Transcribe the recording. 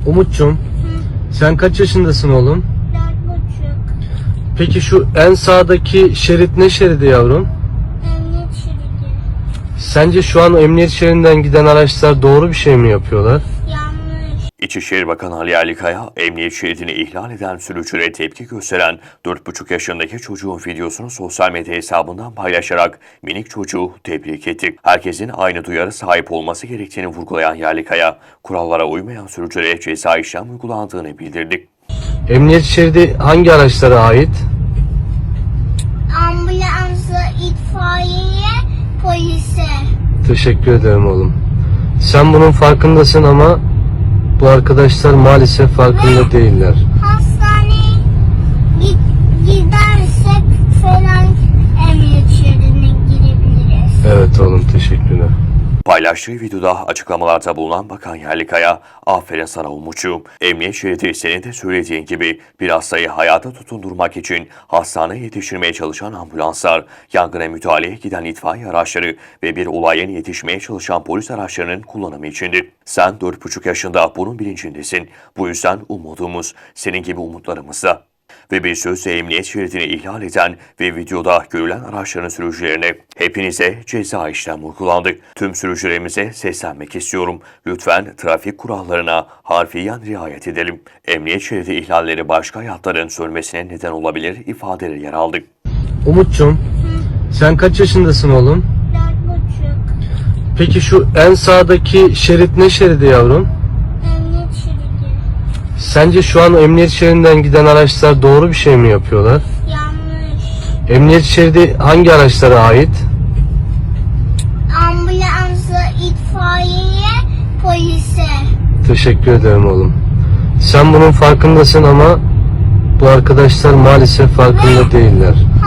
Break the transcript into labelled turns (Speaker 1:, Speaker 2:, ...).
Speaker 1: Umut'cum, sen kaç yaşındasın oğlum?
Speaker 2: 4,5.
Speaker 1: Peki şu en sağdaki şerit ne şeridi yavrum?
Speaker 2: Emniyet şeridi.
Speaker 1: Sence şu an emniyet şeridinden giden araçlar doğru bir şey mi yapıyorlar?
Speaker 2: Yanlış.
Speaker 3: İçişleri Bakanı Ali Yerlikaya, emniyet şeridini ihlal eden sürücülere tepki gösteren 4,5 yaşındaki çocuğun videosunu sosyal medya hesabından paylaşarak minik çocuğu tebrik etti. Herkesin aynı duyarı sahip olması gerektiğini vurgulayan Yerlikaya, kurallara uymayan sürücülere ceza işlem uygulandığını bildirdi.
Speaker 1: Emniyet şeridi hangi araçlara ait?
Speaker 2: Ambulansa, itfaiyeye, polise.
Speaker 1: Teşekkür ederim oğlum. Sen bunun farkındasın ama bu arkadaşlar maalesef farkında değiller.
Speaker 2: Hastaneye gidersek falan emniyet şeridine girebiliriz.
Speaker 1: Evet oğlum, teşekkürler.
Speaker 3: Paylaştığı videoda açıklamalarda bulunan Bakan Yerlikaya, "Aferin sana Umut'cuğum. Emniyet şeridi senin de söylediğin gibi bir hastayı hayata tutundurmak için hastaneye yetiştirmeye çalışan ambulanslar, yangına müdahaleye giden itfaiye araçları ve bir olaya yetişmeye çalışan polis araçlarının kullanımı içindir. Sen 4,5 yaşında bunun bilincindesin. Bu yüzden umudumuz senin gibi umutlarımızda." Ve bir sözle emniyet şeridini ihlal eden ve videoda görülen araçların sürücülerine "Hepinize ceza işlem uygulandı. Tüm sürücülerimize seslenmek istiyorum. Lütfen trafik kurallarına harfiyen riayet edelim. Emniyet şeridi ihlalleri başka hayatların sönmesine neden olabilir" ifadeleri yer aldı.
Speaker 1: Umut'cum, sen kaç yaşındasın oğlum?
Speaker 2: 4,5.
Speaker 1: Peki şu en sağdaki şerit ne şeridi yavrum?
Speaker 2: Emniyet şeridi.
Speaker 1: Sence şu an emniyet şeridinden giden araçlar doğru bir şey mi yapıyorlar?
Speaker 2: Yanlış.
Speaker 1: Emniyet şeridi hangi araçlara ait?
Speaker 2: Ambulansa, itfaiyeye, polise.
Speaker 1: Teşekkür ederim oğlum. Sen bunun farkındasın ama bu arkadaşlar maalesef farkında değiller.